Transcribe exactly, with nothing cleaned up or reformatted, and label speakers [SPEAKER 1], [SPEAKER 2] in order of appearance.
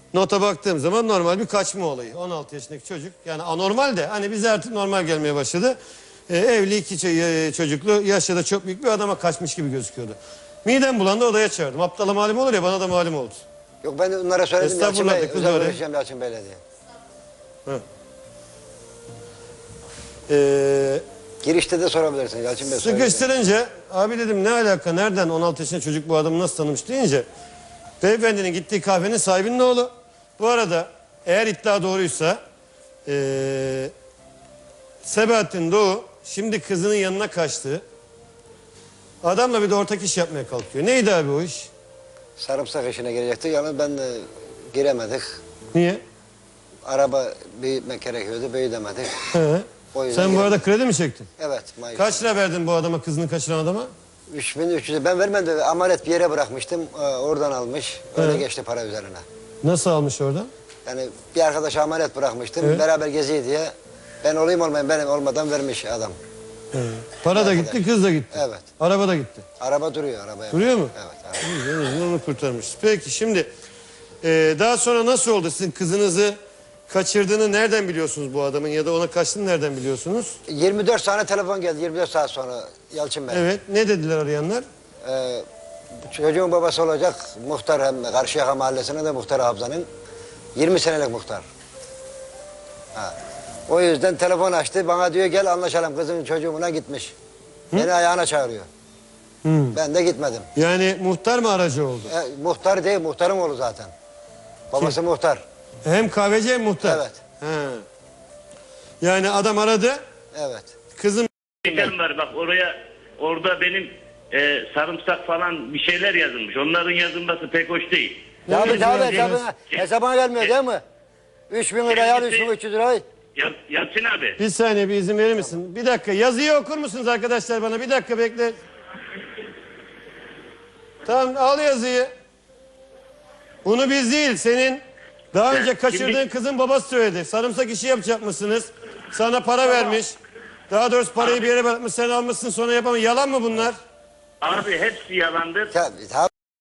[SPEAKER 1] Nota baktığım zaman normal bir kaçma olayı. on altı yaşındaki çocuk. Yani anormal de hani bize artık normal gelmeye başladı. Ee, evli iki çocuklu yaşça da çok büyük bir adama kaçmış gibi gözüküyordu. Midem bulandı, odaya çağırdım. Aptala malum olur ya, bana da malum oldu.
[SPEAKER 2] Yok ben onlara söyledim Yalçın
[SPEAKER 1] Estağfurullah
[SPEAKER 2] Bey.
[SPEAKER 1] de, kız
[SPEAKER 2] Özel
[SPEAKER 1] öyle.
[SPEAKER 2] görüşeceğim Yalçın Bey'le diye.
[SPEAKER 1] Hı. Ee,
[SPEAKER 2] Girişte de sorabilirsin Yalçın Bey.
[SPEAKER 1] Sıkıştırınca abi dedim ne alaka, nereden on altı yaşında çocuk bu adamı nasıl tanımış deyince beyefendinin gittiği kahvenin sahibinin oğlu. Bu arada eğer iddia doğruysa ee, Sebahattin Doğu şimdi kızının yanına kaçtı. Adamla bir de ortak iş yapmaya kalkıyor. Neydi abi o iş?
[SPEAKER 2] Sarımsak işine girecekti. Yalnız ben de giremedik.
[SPEAKER 1] Niye?
[SPEAKER 2] Araba büyütmek gerekiyordu. Büyütemedik.
[SPEAKER 1] He.
[SPEAKER 2] O yüzden
[SPEAKER 1] Sen bu arada
[SPEAKER 2] giremedik.
[SPEAKER 1] kredi mi çektin?
[SPEAKER 2] Evet. Mayıs.
[SPEAKER 1] Kaç lira verdin bu adama, kızını kaçıran adama?
[SPEAKER 2] üç bin üç yüz. Ben vermedim. Amanet bir yere bırakmıştım. Ee, Oradan almış. Öyle
[SPEAKER 1] He.
[SPEAKER 2] geçti para üzerine.
[SPEAKER 1] Nasıl almış oradan?
[SPEAKER 2] Yani bir arkadaşa amanet bırakmıştım.
[SPEAKER 1] Evet.
[SPEAKER 2] Beraber geziyor diye. Ben olayım olmayayım benim olmadan vermiş adam.
[SPEAKER 1] He. Para da
[SPEAKER 2] Arkadaş.
[SPEAKER 1] gitti, kız da gitti.
[SPEAKER 2] Evet.
[SPEAKER 1] Araba da gitti.
[SPEAKER 2] Araba duruyor arabaya.
[SPEAKER 1] Duruyor mu?
[SPEAKER 2] Evet. Araba.
[SPEAKER 1] İyi, en azından onu kurtarmışız. Peki şimdi e, daha sonra nasıl oldu? Sizin kızınızı kaçırdığını nereden biliyorsunuz bu adamın, ya da ona kaçtığını nereden biliyorsunuz?
[SPEAKER 2] yirmi dört tane telefon geldi. yirmi dört saat sonra Yalçın Bey.
[SPEAKER 1] Evet. Ne dediler arayanlar?
[SPEAKER 2] Ee, çocuğun babası olacak muhtar, hem Karşıyaka Mahallesi'ne de muhtar Habza'nın. yirmi senelik muhtar. Ha. O yüzden telefon açtı. Bana diyor gel anlaşalım, kızın çocuğuna gitmiş. Hı? Beni ayağına çağırıyor.
[SPEAKER 1] Hı.
[SPEAKER 2] Ben de gitmedim.
[SPEAKER 1] Yani muhtar mı aracı oldu?
[SPEAKER 2] E, muhtar değil, muhtarın oğlu zaten. Babası
[SPEAKER 1] Kim?
[SPEAKER 2] muhtar.
[SPEAKER 1] Hem kahveci hem muhtar.
[SPEAKER 2] Evet.
[SPEAKER 1] He. Yani adam aradı.
[SPEAKER 2] Evet.
[SPEAKER 1] Kızım
[SPEAKER 3] Şekerim var bak, oraya orada benim e, sarımsak falan bir şeyler yazılmış. Onların yazılması pek hoş değil.
[SPEAKER 2] Tabii
[SPEAKER 1] Evet,
[SPEAKER 2] tabii
[SPEAKER 1] evet,
[SPEAKER 2] hesabına, hesabına gelmiyor değil mi? üç bin lira al, üç bin üç yüz lirayı.
[SPEAKER 3] Yal, Yalçın abi.
[SPEAKER 1] bir saniye, bir izin verir misin? Bir dakika, yazıyı okur musunuz arkadaşlar bana? Bir dakika bekle. Tamam, al yazıyı. Bunu biz değil, senin daha önce kaçırdığın
[SPEAKER 3] Şimdi-
[SPEAKER 1] kızın babası söyledi. Sarımsak işi yapacak mısınız? Sana para vermiş. Daha doğrusu parayı bir yere bırakmış, sen almışsın, sonra yapamadın. Yalan mı bunlar?
[SPEAKER 3] Abi hepsi yalandır.
[SPEAKER 2] Tabii tabii.